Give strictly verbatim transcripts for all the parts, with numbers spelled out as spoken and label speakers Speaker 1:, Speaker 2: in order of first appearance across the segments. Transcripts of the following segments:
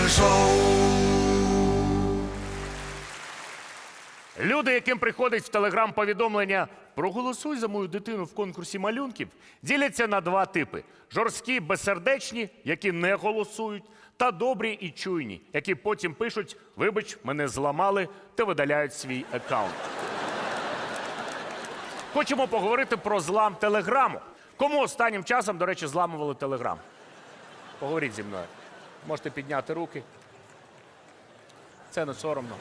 Speaker 1: шоу.
Speaker 2: Люди, яким приходить в телеграм-повідомлення «Проголосуй за мою дитину в конкурсі малюнків», діляться на два типи. Жорсткі, безсердечні, які не голосують, та добрі і чуйні, які потім пишуть «Вибач, мене зламали» та видаляють свій аккаунт. Хочемо поговорити про злам телеграму. Кому останнім часом, до речі, зламували телеграм? Поговоріть зі мною. Можете підняти руки. Це не соромно.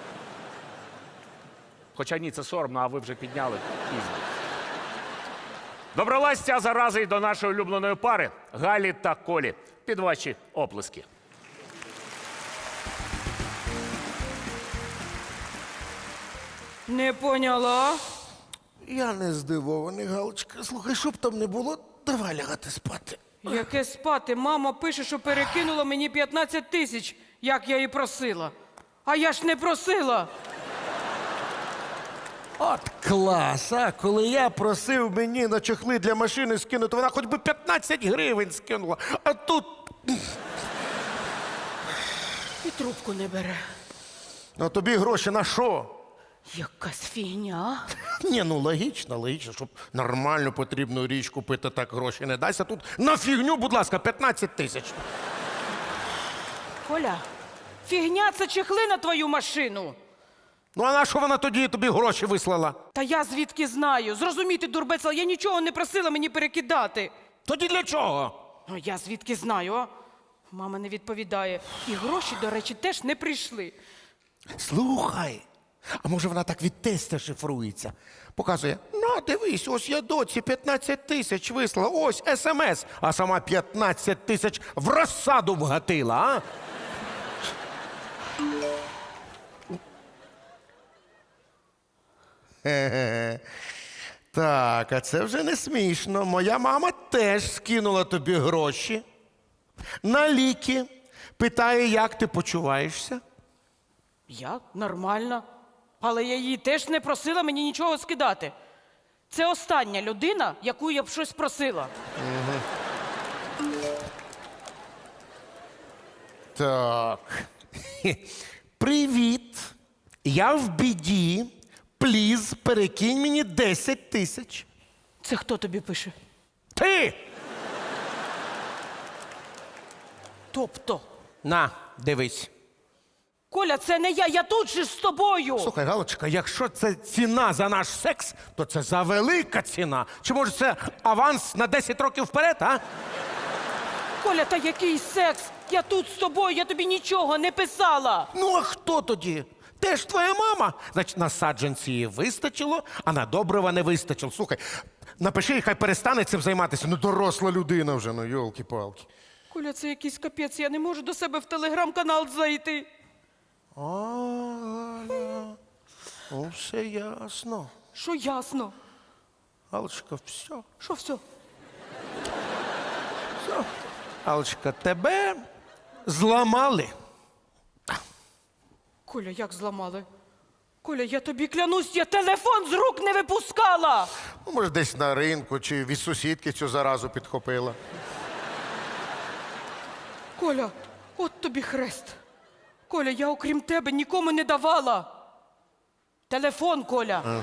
Speaker 2: Хоча ні, це соромно, а ви вже підняли пізно. Добралась ця зараза й до нашої улюбленої пари Галі та Колі. Під ваші оплески.
Speaker 3: Не поняла.
Speaker 1: Я не здивований, Галочка. Слухай, щоб там не було, давай лягати спати.
Speaker 3: Яке спати? Мама пише, що перекинула мені п'ятнадцять тисяч, як я її просила. А я ж не просила.
Speaker 1: От клас, а? Коли я просив мені на чохли для машини скинути, вона хоч би п'ятнадцять гривень скинула. А тут...
Speaker 3: І трубку не бере.
Speaker 1: Ну тобі гроші на що?
Speaker 3: Якась фігня.
Speaker 1: Ні, ну логічно, логічно, щоб нормальну потрібну річ купити, так гроші не дасть. А тут на фігню, будь ласка, п'ятнадцять тисяч.
Speaker 3: Коля, фігня – це чехли на твою машину.
Speaker 1: Ну а на що вона тоді тобі гроші вислала?
Speaker 3: Та я звідки знаю? Зрозуміти, дурбецела, я нічого не просила мені перекидати.
Speaker 1: Тоді для чого?
Speaker 3: Ну, я звідки знаю, а? Мама не відповідає. І гроші, до речі, теж не прийшли.
Speaker 1: Слухай, а може вона так від теста шифрується? Показує, ну дивись, ось я доці п'ятнадцять тисяч вислала, ось смс, а сама п'ятнадцять тисяч в розсаду вгатила, а? Хе-хе. Так, а це вже не смішно. Моя мама теж скинула тобі гроші на ліки. Питає, як ти почуваєшся?
Speaker 3: Я? Нормально. Але я її теж не просила мені нічого скидати. Це остання людина, яку я б щось просила.
Speaker 1: Так. Хе. Привіт. Я в біді. Пліз, перекинь мені десять тисяч.
Speaker 3: Це хто тобі пише?
Speaker 1: Ти!
Speaker 3: Тобто?
Speaker 1: На, дивись.
Speaker 3: Коля, це не я, я тут же з тобою.
Speaker 1: Слухай, Галочка, якщо це ціна за наш секс, то це за велика ціна. Чи може це аванс на десять років вперед, а?
Speaker 3: Коля, та який секс? Я тут з тобою, я тобі нічого не писала.
Speaker 1: Ну, а хто тоді? Теж твоя мама. Значить, на саджанці її вистачило, а на добрива не вистачило. Слухай, напиши, хай перестане цим займатися. Ну, доросла людина вже, ну, йолки-палки.
Speaker 3: Коля, це якийсь капець, я не можу до себе в телеграм-канал зайти.
Speaker 1: А, Галя, ну, все ясно.
Speaker 3: Що ясно?
Speaker 1: Галочка, все.
Speaker 3: Що все?
Speaker 1: Все. Галочка, тебе зламали.
Speaker 3: Коля, як зламали? Коля, я тобі клянусь, я телефон з рук не випускала.
Speaker 1: Ну, може, десь на ринку чи від сусідки цю заразу підхопила.
Speaker 3: Коля, от тобі хрест. Коля, я окрім тебе нікому не давала. Телефон, Коля.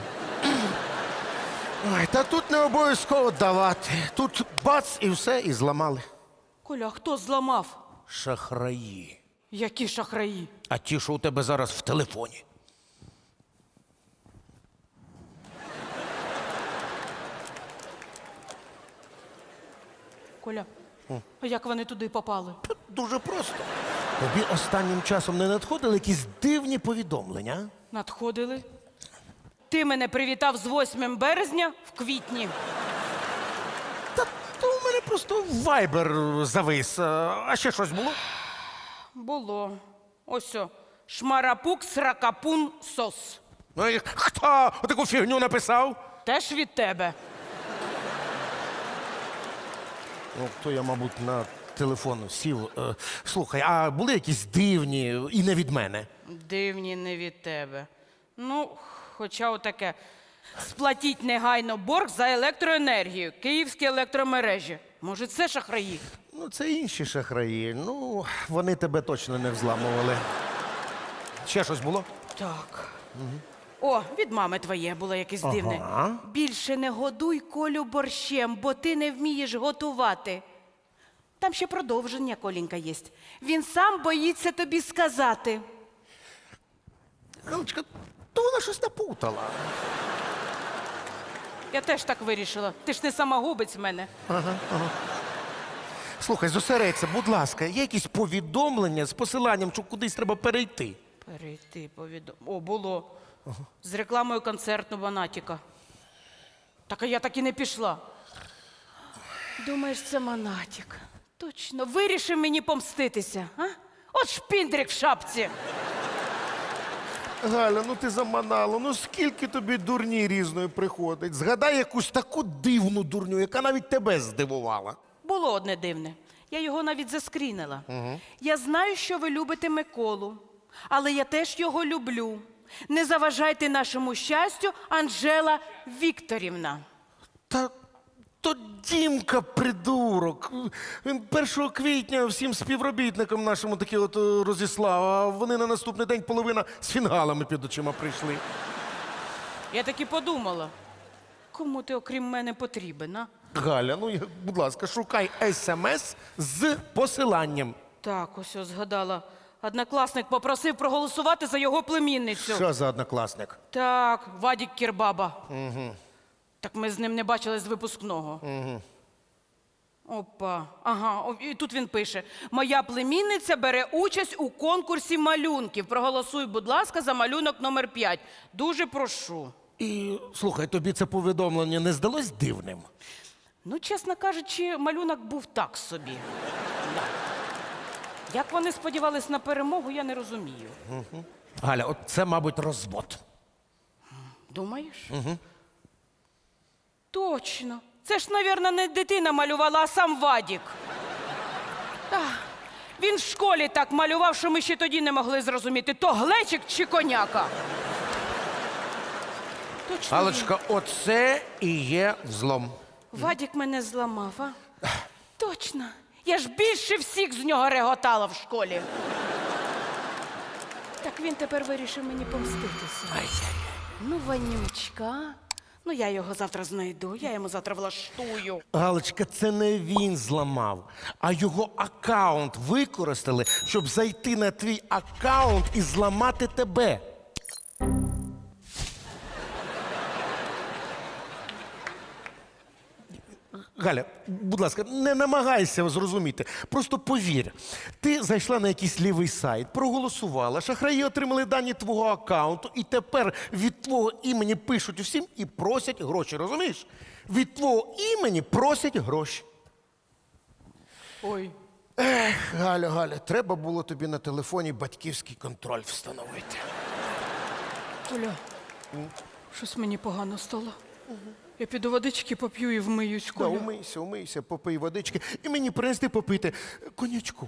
Speaker 1: Ой, та тут не обов'язково давати. Тут бац і все, і зламали.
Speaker 3: Коля, а хто зламав?
Speaker 1: Шахраї.
Speaker 3: Які шахраї?
Speaker 1: А ті, що у тебе зараз в телефоні.
Speaker 3: Коля, а як вони туди попали?
Speaker 1: Дуже просто. Тобі останнім часом не надходили якісь дивні повідомлення? а?
Speaker 3: Надходили. Ти мене привітав з восьмим березня в квітні.
Speaker 1: Та то у мене просто вайбер завис. А ще щось було?
Speaker 3: Було. Ось о. Шмарапук, сракапун, сос.
Speaker 1: Ну і хто таку фігню написав?
Speaker 3: Теж від тебе.
Speaker 1: Ну, то я, мабуть, на телефон сів. Е, Слухай, а були якісь дивні і не від мене?
Speaker 3: Дивні не від тебе. Ну, хоча отаке. Сплатіть негайно борг за електроенергію. Київські електромережі. Може, це шахраї?
Speaker 1: Ну, це інші шахраї. Ну, вони тебе точно не взламували. Ще щось було?
Speaker 3: Так. О, від мами твоє було якесь дивне.
Speaker 1: Ага.
Speaker 3: Більше не годуй Колю борщем, бо ти не вмієш готувати. Там ще продовження, Колінька, є. Він сам боїться тобі сказати.
Speaker 1: Галочка, то вона щось напутала.
Speaker 3: Я теж так вирішила. Ти ж не самогубець в мене.
Speaker 1: Слухай, зосередься, будь ласка, є якісь повідомлення з посиланням, що кудись треба перейти?
Speaker 3: Перейти повідом. О, було. З рекламою концерту Монатіка. Так а я так і не пішла. Думаєш, це Монатік. Точно, вирішив мені помститися, а? От шпіндрик в шапці.
Speaker 1: Галя, ну ти заманала, ну скільки тобі дурні різної приходить? Згадай якусь таку дивну дурню, яка навіть тебе здивувала.
Speaker 3: Було одне дивне. Я його навіть заскрінила. Я знаю, що ви любите Миколу, але я теж його люблю. Не заважайте нашому щастю, Анжела Вікторівна.
Speaker 1: Та то Дімка придурок. Він першого квітня всім співробітникам нашому такі от е, розіслав, а вони на наступний день половина з фінгалами під очима прийшли.
Speaker 3: Я так і подумала. Кому ти, окрім мене, потрібен, а?
Speaker 1: Галя, ну я- будь ласка, шукай смс з посиланням.
Speaker 3: Так, ось ось згадала. Однокласник попросив проголосувати за його племінницю.
Speaker 1: Що за однокласник?
Speaker 3: Так, Вадік Кірбаба. Угу. Так ми з ним не бачили з випускного. Угу. Опа. Ага, о, і тут він пише: моя племінниця бере участь у конкурсі малюнків. Проголосуй, будь ласка, за малюнок номер п'ять. Дуже прошу.
Speaker 1: І слухай, тобі це повідомлення не здалось дивним?
Speaker 3: Ну, чесно кажучи, малюнок був так собі. Да. Як вони сподівались на перемогу, я не розумію.
Speaker 1: Галя, от це, мабуть, розвод.
Speaker 3: Думаєш? Угу. Точно. Це ж, мабуть, не дитина малювала, а сам Вадік. Ах, він в школі так малював, що ми ще тоді не могли зрозуміти, то глечик чи коняка. Точно.
Speaker 1: Галочка, оце і є взлом.
Speaker 3: він. Вадік мене зламав, а? Точно. Я ж більше всіх з нього реготала в школі. Так він тепер вирішив мені помститися. Ну, Ванючка. Ну, я його завтра знайду, я йому завтра влаштую.
Speaker 1: Галочка, це не він зламав, а його аккаунт використали, щоб зайти на твій аккаунт і зламати тебе. Галя, будь ласка, не намагайся зрозуміти. Просто повір. Ти зайшла на якийсь лівий сайт, проголосувала, шахраї отримали дані твого аккаунту, і тепер від твого імені пишуть усім і просять гроші, розумієш? Від твого імені просять гроші.
Speaker 3: Ой.
Speaker 1: Ех, Галя, Галя, треба було тобі на телефоні батьківський контроль встановити.
Speaker 3: Оля, щось мені погано стало. Я піду водички поп'ю і вмиюсь,
Speaker 1: Да,
Speaker 3: Коля.
Speaker 1: умийся, умийся, попий водички і мені принести попити конячку.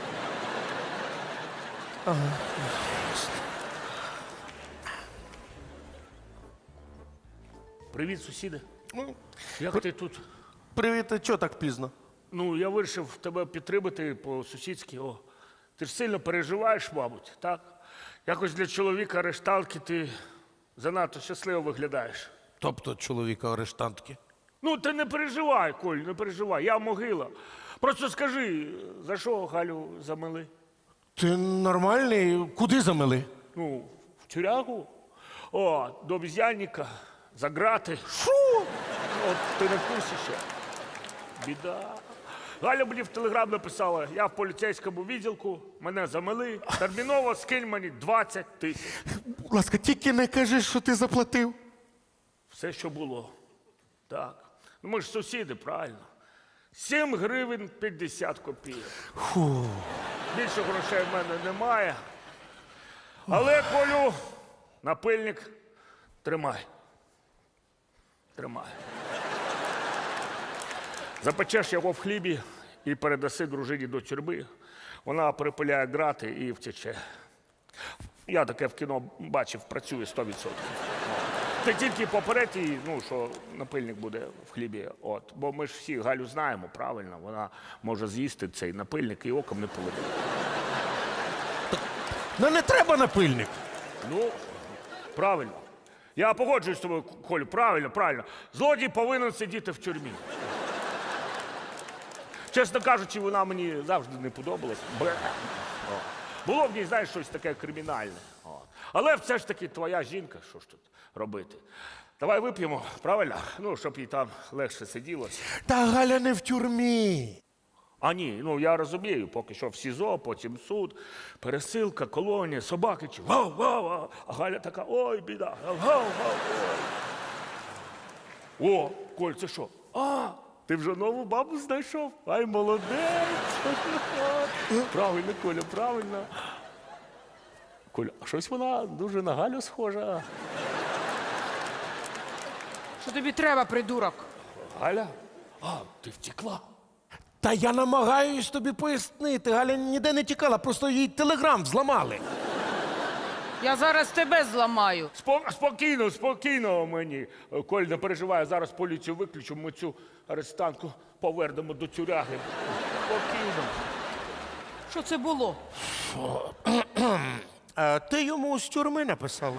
Speaker 2: Привіт, сусіди.
Speaker 1: Ну,
Speaker 2: Як ти тут?
Speaker 1: привіт, а чого так пізно?
Speaker 2: Ну, я вирішив тебе підтримати по-сусідськи. О, ти ж сильно переживаєш, мабуть, так? Якось для чоловіка арештантки ти занадто щасливо виглядаєш.
Speaker 1: Тобто чоловіка арештантки.
Speaker 2: Ну, ти не переживай, Коль, не переживай, я могила. Просто скажи, за що Галю замили?
Speaker 1: Ти нормальний? Куди замели?
Speaker 2: Ну, в тюрягу? О, до обіз'янника, за грати.
Speaker 1: Що?
Speaker 2: От ти не в курсі ще. Біда. Галя мені в телеграм написала, я в поліцейському відділку, мене замили, терміново скинь мені двадцять тисяч.
Speaker 1: Будь ласка, тільки не кажи, що ти заплатив.
Speaker 2: Все, що було. Так. Ну ми ж сусіди, правильно. сім гривень п'ятдесят копійок.
Speaker 1: Фу.
Speaker 2: Більше грошей в мене немає. Але, Колю, напильник тримай. Тримай. Запечеш його в хлібі і передаси дружині до тюрми. Вона перепиляє грати і втече. Я таке в кіно бачив, працює сто відсотків. ти тільки попередь її, ну, що напильник буде в хлібі. От. Бо ми ж всі Галю знаємо, правильно, вона може з'їсти цей напильник і оком не поведе.
Speaker 1: Ну не треба напильник.
Speaker 2: Ну, правильно. Я погоджуюсь з тобою, Колю, правильно, правильно. Злодій повинен сидіти в тюрмі. Чесно кажучи, вона мені завжди не подобалась. Бе. О. Було в ній, знаєш, щось таке кримінальне. О. Але все ж таки твоя жінка, що ж тут робити? Давай вип'ємо, правильно? Ну, щоб їй там легше сиділося.
Speaker 1: Та Галя не в тюрмі.
Speaker 2: А ні, ну я розумію, поки що в СІЗО, потім суд, пересилка, колонія, собаки чи вау, вау, вау. А Галя така, ой, біда, вау, вау, ой. О, Коль, це що? А, ти вже нову бабу знайшов? Ай, молодець. Правильно, Коля, правильно. Коля, а щось вона дуже на Галю схожа.
Speaker 3: Що тобі треба, придурок?
Speaker 2: Галя? А, ти втекла.
Speaker 1: Та я намагаюсь тобі пояснити. Галя ніде не тікала, просто їй телеграм зламали.
Speaker 3: Я зараз тебе зламаю.
Speaker 2: Спо- спокійно, спокійно мені. Коль, не переживай, зараз поліцію виключу, ми цю арестантку повернемо до тюряги. Спокійно.
Speaker 3: Що це було?
Speaker 1: А ти йому з тюрми написала.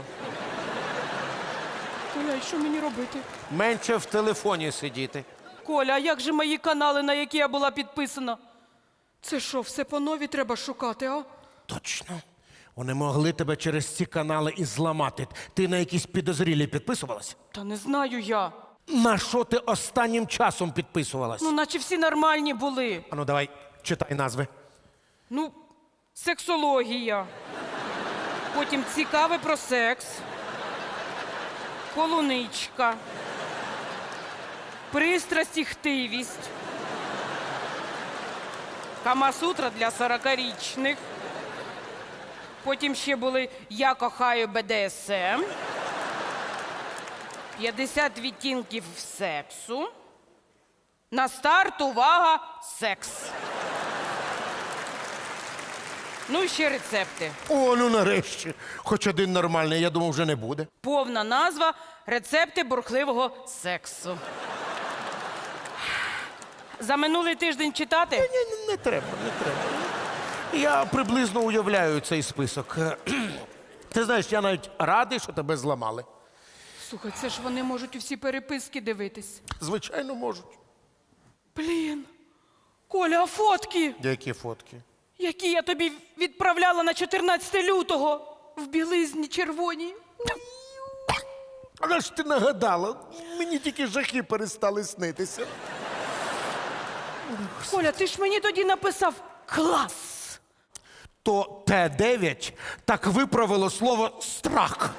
Speaker 3: Коля, і що мені робити?
Speaker 1: Менше в телефоні сидіти.
Speaker 3: Коля, а як же мої канали, на які я була підписана? Це що, все по нові треба шукати, а?
Speaker 1: Точно. Вони могли тебе через ці канали і зламати. Ти на якісь підозрілі підписувалась?
Speaker 3: Та не знаю я.
Speaker 1: На що ти останнім часом підписувалась?
Speaker 3: Ну, наче всі нормальні були.
Speaker 1: Ану, давай, читай назви.
Speaker 3: Ну, сексологія. Потім цікаве про секс. Полуничка. Пристрасть і хтивість. Камасутра для сорокарічних. Потім ще були Я кохаю Б Д С М. п'ятдесят відтінків сексу. На старт, увага, секс. Ну і ще рецепти.
Speaker 1: О, ну нарешті. Хоч один нормальний, я думав, вже не буде.
Speaker 3: Повна назва рецепти бурхливого сексу. За минулий тиждень читати?
Speaker 1: Ні, не треба, не треба. Я приблизно уявляю цей список. Ти знаєш, я навіть радий, що тебе зламали.
Speaker 3: Слухай, це ж вони можуть усі переписки дивитись.
Speaker 1: Звичайно, можуть.
Speaker 3: Блін. Коля, а фотки,
Speaker 1: Які фотки?
Speaker 3: які я тобі відправляла на чотирнадцяте лютого в білизні червоній.
Speaker 1: Але ж ти нагадала, мені тільки жахи перестали снитися.
Speaker 3: Коля, ти ж мені тоді написав клас.
Speaker 1: То Т дев'ять так виправило слово страх.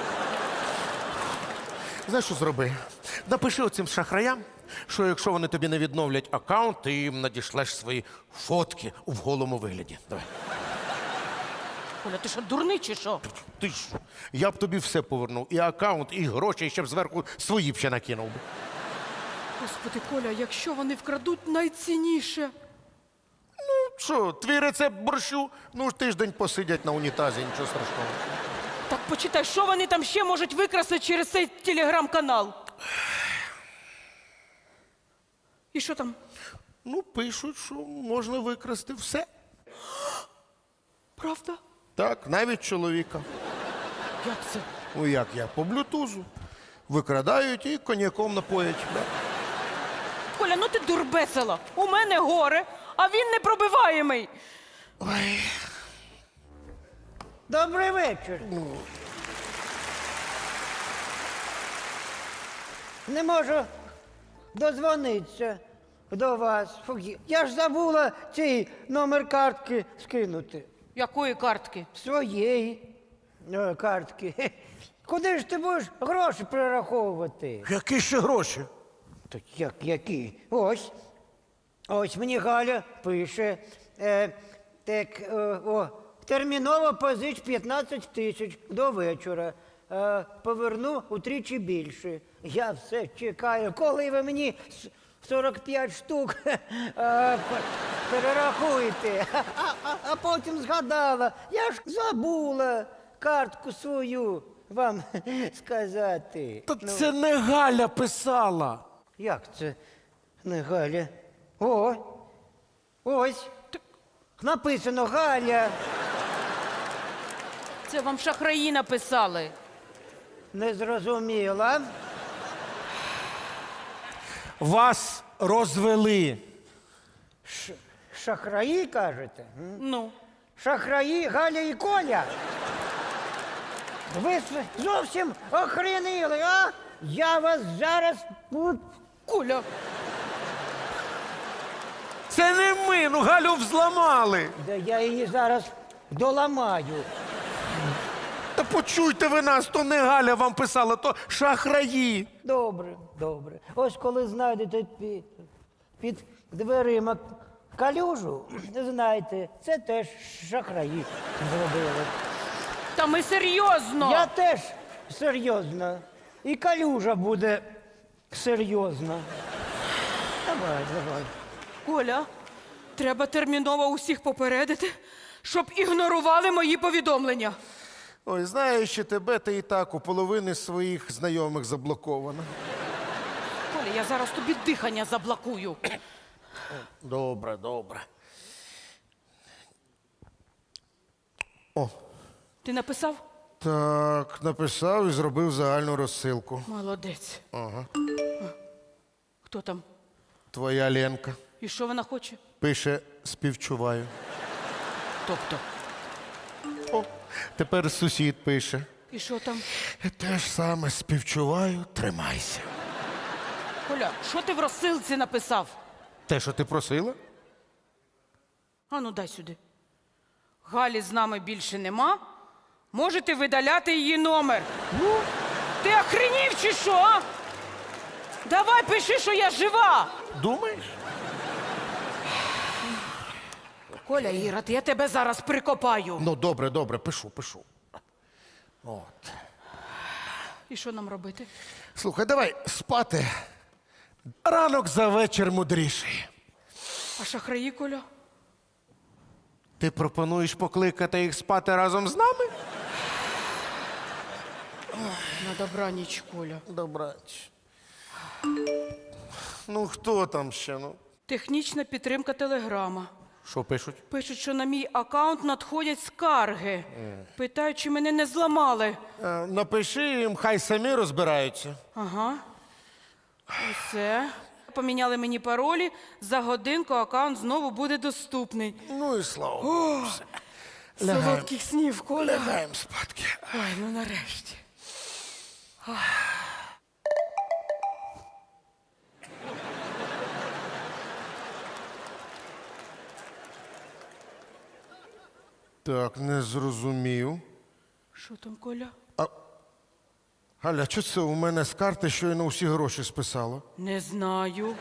Speaker 1: Знаєш, що зроби? Напиши оцим шахраям, що якщо вони тобі не відновлять аккаунт, ти їм надішлеш свої фотки в голому вигляді. Давай.
Speaker 3: Коля, ти що, дурний чи що?
Speaker 1: Ти ж, я б тобі все повернув. І аккаунт, і гроші, і ще б зверху свої б ще накинув би.
Speaker 3: Господи, Коля, якщо вони вкрадуть найцінніше.
Speaker 1: Що, твій рецепт борщу? Ну ж тиждень посидять на унітазі, нічого страшного.
Speaker 3: Так почитай, що вони там ще можуть викрасти через цей телеграм-канал. І що там?
Speaker 1: Ну, пишуть, що можна викрасти все.
Speaker 3: Правда?
Speaker 1: Так, навіть чоловіка.
Speaker 3: Як це?
Speaker 1: Ну як я? По блютузу. Викрадають і коньяком напоять. Да.
Speaker 3: Коля, ну ти дурбесила. У мене горе, а він непробиваємий.
Speaker 4: Добрий вечір. Не можу дозвонитися до вас. Фу, я ж забула цей номер картки скинути.
Speaker 3: Якої картки?
Speaker 4: Своєї е, картки. Хе. Куди ж ти будеш гроші перераховувати?
Speaker 1: Які ще гроші?
Speaker 4: Так як які? Ось. Ось мені Галя пише. Е, так, е, о, терміново позич п'ятнадцять тисяч до вечора. Е, поверну утричі більше. Я все чекаю, коли ви мені с- сорок п'ять штук е, п- перерахуєте. А, а, а потім згадала, я ж забула картку свою вам сказати.
Speaker 1: Та це не Галя писала.
Speaker 4: Як це не Галя? О, ось. Написано Галя.
Speaker 3: Це вам шахраї написали.
Speaker 4: Не зрозуміла.
Speaker 1: Вас розвели.
Speaker 4: Ш- шахраї, кажете? М?
Speaker 3: Ну,
Speaker 4: Шахраї Галя і Коля. Ви с- зовсім охренили, а? Я вас зараз... ну,
Speaker 3: Коля,
Speaker 1: Це не ми, ну Галю взламали.
Speaker 4: Да я її зараз доламаю.
Speaker 1: Та почуйте ви нас, то не Галя вам писала, то шахраї.
Speaker 4: Добре, добре. Ось коли знайдете під, під дверима калюжу, знайте, це теж шахраї зробили.
Speaker 3: та ми серйозно.
Speaker 4: Я теж серйозно. І калюжа буде серйозна. Давай, давай.
Speaker 3: Коля, треба терміново усіх попередити, щоб ігнорували мої повідомлення.
Speaker 1: Ой, знаючи тебе, ти і так у половини своїх знайомих заблокована.
Speaker 3: Коля, я зараз тобі дихання заблокую.
Speaker 1: Добре, добре. О,
Speaker 3: Ти написав?
Speaker 1: так, написав і зробив загальну розсилку.
Speaker 3: Молодець.
Speaker 1: Ага.
Speaker 3: Хто там?
Speaker 1: Твоя Ленка
Speaker 3: І що вона хоче?
Speaker 1: пише співчуваю.
Speaker 3: Тобто.
Speaker 1: О, тепер сусід пише.
Speaker 3: І що там?
Speaker 1: Те ж саме співчуваю, тримайся.
Speaker 3: Коля, що ти в розсилці написав?
Speaker 1: Те, що ти просила?
Speaker 3: А ну дай сюди. Галі з нами більше нема. Можете видаляти її номер. Ну, ти охренів чи що? а? Давай пиши, що я жива.
Speaker 1: Думаєш?
Speaker 3: Коля Ірод, я тебе зараз прикопаю.
Speaker 1: Ну, добре, добре, пишу, пишу. От.
Speaker 3: І що нам робити?
Speaker 1: Слухай, давай спати. Ранок за вечір мудріший.
Speaker 3: А шахраї, Коля?
Speaker 1: Ти пропонуєш покликати їх спати разом з нами?
Speaker 3: На добраніч, Коля.
Speaker 1: Добрач. Ну, хто там ще? Ну?
Speaker 3: Технічна підтримка телеграма.
Speaker 1: Що пишуть?
Speaker 3: Пишуть, що на мій аккаунт надходять скарги. Питають, чи мене не зламали.
Speaker 1: Е, напиши їм, хай самі розбираються.
Speaker 3: Ага. Усе. Поміняли мені паролі. За годинку аккаунт знову буде доступний.
Speaker 1: Ну і слава Богу. все. Лягаємо.
Speaker 3: Солодких снів, Коля.
Speaker 1: Лягаємо спадки.
Speaker 3: Ой, ну нарешті.
Speaker 1: Так, не зрозумів.
Speaker 3: Що там, Коля?
Speaker 1: Галя, що це у мене з карти щойно усі гроші списало?
Speaker 3: Не знаю.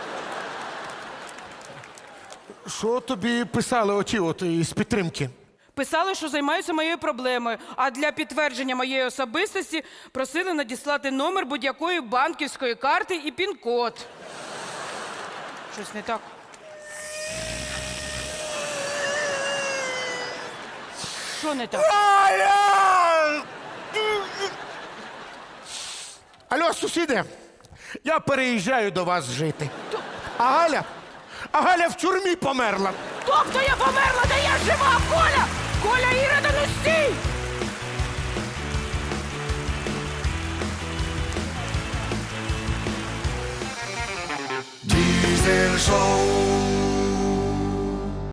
Speaker 1: Що тобі писали оті от із підтримки?
Speaker 3: Писали, що займаються моєю проблемою, а для підтвердження моєї особистості просили надіслати номер будь-якої банківської карти і пін-код. Щось не так. Що не так?
Speaker 1: Галя! Алло, сусіди, я переїжджаю до вас жити. А Галя? А Галя в тюрмі померла.
Speaker 3: Тобто я померла, та я жива, Коля! Коля, Ірода, ну стій!
Speaker 5: Diesel Show.